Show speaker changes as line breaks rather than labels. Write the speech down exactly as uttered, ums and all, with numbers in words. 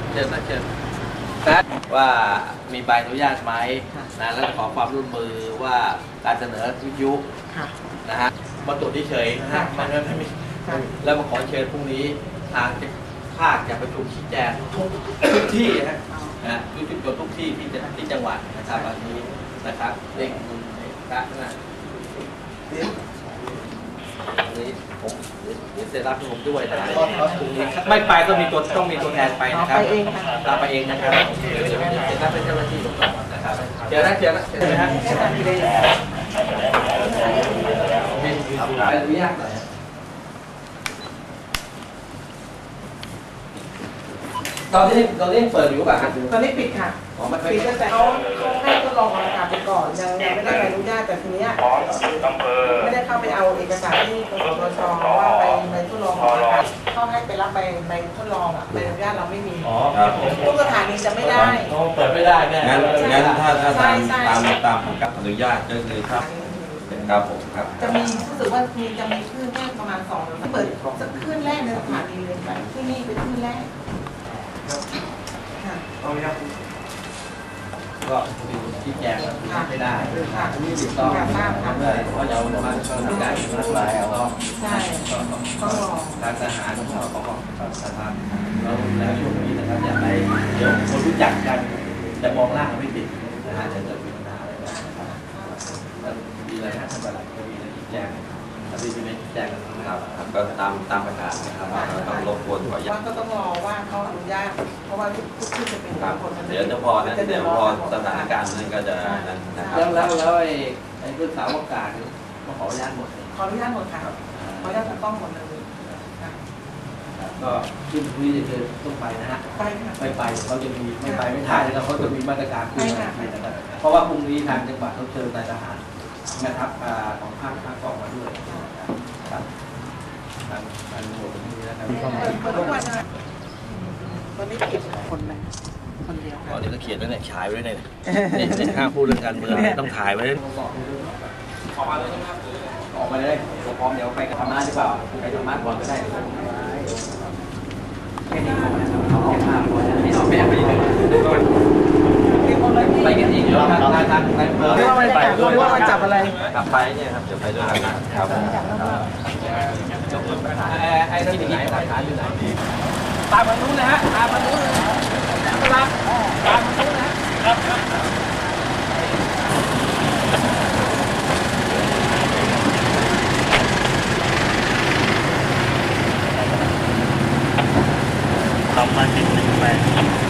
เชิญนะเชิญนะว่ามีใบอนุญาตไหมนะแล้วขอความร่วมมือว่าการเสนอวิทยุนะฮะมาตรวจที่เฉยนะฮะมันไม่มีแล้วมาขอเชิญพรุ่งนี้ทางภาคจะประชุมชี้แจงทุกทุกที่นะนะทุกจุดทุกที่ที่ที่จังหวัดนะครับวันนี้นะครับเด็กคุณพระนะนี้ผมเดี๋ยวเสร็จรับผมด้วยนะไม่ไปก็มีตัวต้องมีตัวแทนไปนะครับไปเองค่ะตามไปเองนะครับเดี๋ยวเสร็จรับเป็นเจ้าหน้าที่ผมก่อนนะครับเดี๋ยวนะเดี๋ยวนะเดี๋ยวนะไปอนุญาตหน่อยตอนนี้ตอนนี้เปิดอยู่ป่ะครับ
ตอนนี้ปิดค่ะปิดตั้งแต่เขาเขาให้ทดลองออกอากาศไปก่อนยังยังไม่ได้ใบอนุญาตแต่ทีนี้ไม่ได้เข้าไปเอาเอกสารที่กสทชว่าไปใบทดลองออกอากาศเขาให้ไปรับใบใบทดลองอ่ะใบอนุญาตเราไม่มีทุกสถานีจะไม่ได้
เปิดไม่ได้แน่
งั้นงั้นถ้าถ้าตามตามตามของการอนุญาตก็คือครับครับผมครับ
จะมีรู้สึกว่ามีจะมีคลื่นแค่ประมาณสองเปิดสักคลื่นแรกในสถานีเลยไปที่นี่เป็นคลื่นแรก
ก็มีที่แจงไม่ได้ไม่ติดต้องเพราะเรามาทำการรักษาเอา
ใช่ก็
ทางทหารของเราของสถานเราแล้วช่วงนี้นะครับอยากให้เดี๋ยวคนรู้จักกันจะมองล่างไม่ติดนะฮะจะเกิดมีปัญหาอะไรได้มีอะไรนะท่านประหลัดก็มีอะไรที่แจงถ้ามีที่ไม่แจง
ครับก็ตามตามประกาศนะครับต้องรบกวนขออนุญาต
ก็ต้องรอว่าเขาอนุญาตเพราะว่าทุกทุกที่จะเป็นคน
เดี๋ยวจะพอนะเดี๋ยวพอสถานการณ์นั้นก็จะนะครับ
แล้วแล้วแล้วไอ้ไอ้เรื่องสาวอากาศก็ขออนุญาตหมด
ขออนุญาตหมดค่ะขออนุญาตถูกต้องหมดเลย
ก็ที่คุยจะเจอต้องไปนะฮะ
ไปค่ะ
ไม่ไปเขาจะมีไม่ไปไม่ได้แล้วเขาจะมีมาตรการคุยกันเพราะว่าพรุ่งนี้ทางจังหวัดเขาเชิญนายทหารนะครับของภาคภาคกองมาด้วยครับทางทางหน่วยนี้นะครับ
ทุกวันนะวันนี้เก็บคนไหมคนเดียว
อ๋อเดี๋ยวก็เขียนไว้เนี่ยฉายไว้เนี่ยเนี่ยห้ามพูดเรื่องการเมืองต้องถ่ายไว้ออกมาเลยนะครับออกมาเลยผมพร้อมเดี๋ยวไปธรรมะหรือเปล่าไปธรรมะก่อนก็ได้แค่นี้พอนะครับเขาเอาภาพพอจะให้เอาแบบไปเลยไปกันอีกเยอะทางทางทางไปเบอร์
ไม่ไปไม่ว่ามาจับอะไร
กลับไปเนี่ยครับจะไปด้วยกันนะครับ
ไอ้ที่ไหนหลักฐานอยู่ไหนตามมานู้นนะฮะตามมานู้นเลยนะครับตามมานู้นนะครับ
ทำมาติดหนึ่งแปด